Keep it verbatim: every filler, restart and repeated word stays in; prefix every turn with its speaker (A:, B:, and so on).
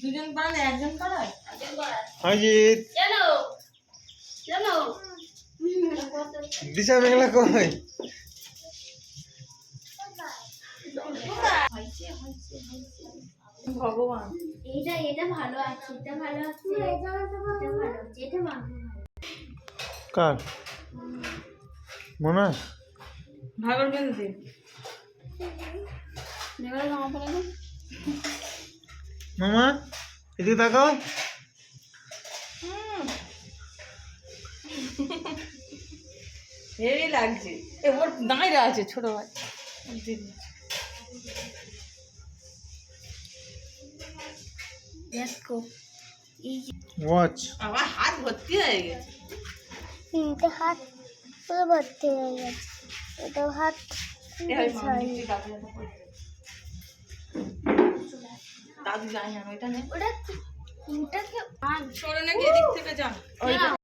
A: দুজন পারে একজন পারে একজন পারে
B: অজিত
A: চলো চলো
B: দিশা মেঘলা কই
A: ভগবান
C: এটা এটা ভালো আছে এটা ভালো আছে এটা ভালো আছে এটা ভালো
B: কার মনে
A: ভাগর বেঁধে দে নেগলা জামা পরে দে
B: মামা এদিকে তাকাও
A: হেভি লাগছে এ ওর দাঁড়িয়ে আছে ছোট ভাই দিদি
C: দেখো এই
B: ওয়াচ
A: আমার হাত ভর্তি হয়ে গেছে
C: তিনটে হাত পুরো ভর্তি হয়ে গেছে এটা হাত
A: দাদু যাই না ওইটা নেই
C: ওটা ওটাকে
A: সরে নাকি এদিক থেকে যান ওইটা